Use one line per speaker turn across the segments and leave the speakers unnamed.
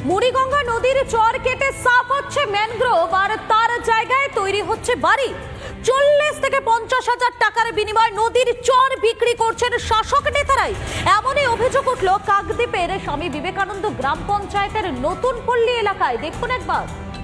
মুড়িগঙ্গা নদীর চর কেটে সাফ হচ্ছে ম্যানগ্রোভ আর তার জায়গায় তৈরি হচ্ছে বাড়ি। 40 থেকে 50,000 টাকার বিনিময়ে নদীর চর বিক্রি করছেন শাসক নেতারাই। এমনই অভিযোগ উঠল কাকদ্বীপের স্বামী বিবেকানন্দ গ্রাম পঞ্চায়েতের নতুন পল্লী এলাকায়। দেখুন একবার।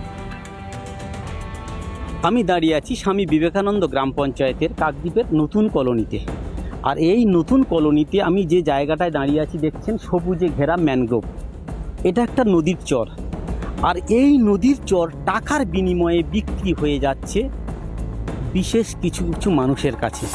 আমি দাঁড়িয়ে আছি স্বামী বিবেকানন্দ গ্রাম পঞ্চায়েতের কাকদ্বীপের নতুন কলোনিতে। আর এই নতুন কলোনিতে আমি যে জায়গাটায় দাঁড়িয়ে আছি দেখছেন সবুজে ঘেরা ম্যানগ্রোভ। এটা একটা নদীর চর, আর এই নদীর চর টাকার বিনিময়ে বিক্রি হয়ে যাচ্ছে বিশেষ কিছু কিছু মানুষের কাছে।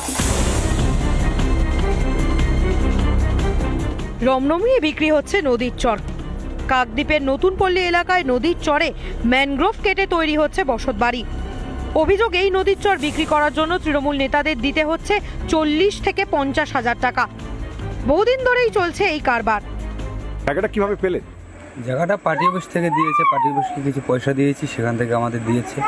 রমরমিয়ে বিক্রি হচ্ছে নদীর চর। কাকদ্বীপের নতুন পল্লী এলাকায় নদীর চরে ম্যানগ্রোভ কেটে তৈরি হচ্ছে বসতবাড়ি। অভিযোগ, এই নদীর চর বিক্রি করার জন্য তৃণমূল নেতাদের দিতে হচ্ছে 40 থেকে 50,000 টাকা। বহুদিন ধরেই চলছে এই কারবার।
জায়গাটা কিভাবে পেলেন?
জায়গাটা পার্টি অফিস থেকে দিয়েছে, পার্টি অফিসকে কিছু পয়সা দিয়েছি, সেখান থেকে আমাদের দিয়েছে।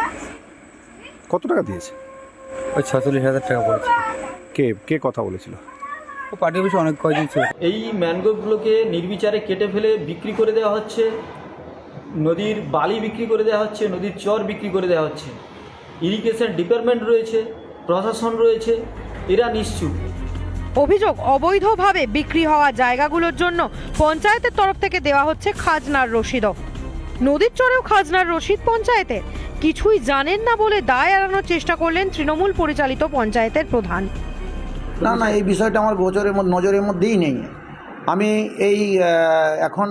কত টাকা দিয়েছে?
ওই 46,000 টাকা পড়েছে।
কে কে কথা বলেছিল?
ও পার্টি অফিসে অনেক কয়দিন ছিল।
এই ম্যানগ্রোভগুলোকে নির্বিচারে কেটে ফেলে বিক্রি করে দেওয়া হচ্ছে, নদীর বালি বিক্রি করে দেওয়া হচ্ছে, নদীর চর বিক্রি করে দেওয়া হচ্ছে। ইরিগেশন ডিপার্টমেন্ট রয়েছে, প্রশাসন রয়েছে, এরা নিশ্চুপ।
অভিযোগ, অবৈধভাবে বিক্রি হওয়া জায়গাগুলোর জন্য পঞ্চায়েতের তরফ থেকে দেওয়া হচ্ছে খাজনার রসিদও। নদীর চরেও খাজনার রসিদ পঞ্চায়েতের। কিছুই জানেন না বলে দায় এড়ানোর চেষ্টা করলেন তৃণমূল পরিচালিত পঞ্চায়েতের প্রধান।
না, এই বিষয়টা আমার নজরের মধ্যেই নেই। আমি এই এখন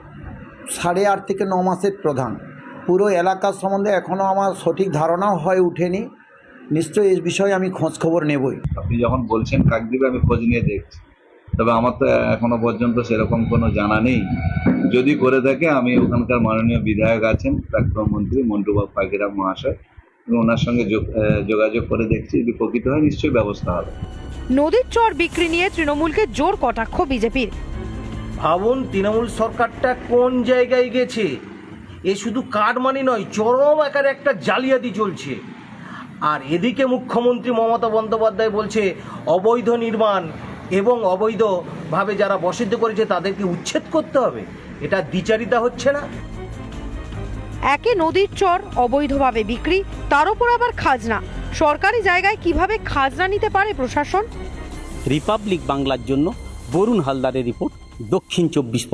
8.5 থেকে 9 মাসের প্রধান। পুরো এলাকার সম্বন্ধে এখনও আমার সঠিক ধারণাও হয়ে ওঠেনি। নিশ্চয়ই এই বিষয়ে আমি খোঁজ খবর নেবই।
আপনি যখন বলছেন কাকদ্বীপে, আমি খোঁজ নিয়ে দেখছি, তবে আমার তো এখনো পর্যন্ত সেরকম কোনো জানা নেই। যদি করে থাকে, আমি ওখানকার মাননীয় বিধায়ক আছেন, প্রাক্তন মন্ত্রী মন্টুবাবু পাখিরাম মহাশয়, এবং ওনার সঙ্গে যোগাযোগ করে দেখছি। যদি প্রকৃত হয় নিশ্চয়ই ব্যবস্থা হবে।
নদীর চর বিক্রি নিয়ে তৃণমূলকে জোর কটাক্ষ বিজেপির।
ভাবুন তৃণমূল সরকারটা কোন জায়গায় গেছে। এ শুধু কাটমানি নয়, চরম আকারে একটা জালিয়াতি চলছে। আর এদিকে মুখ্যমন্ত্রী মমতা বন্দ্যোপাধ্যায় বলছে অবৈধ নির্মাণ এবং অবৈধভাবে যারা বসতি করেছে তাদেরকে উচ্ছেদ করতে হবে। এটা দ্বিচারিতা হচ্ছে না?
একে নদীর চর অবৈধভাবে বিক্রি, তার উপর আবার খাজনা। সরকারি জায়গায় কিভাবে খাজনা নিতে পারে প্রশাসন?
রিপাবলিক বাংলার জন্য বরুণ হালদারের রিপোর্ট, দক্ষিণ 24।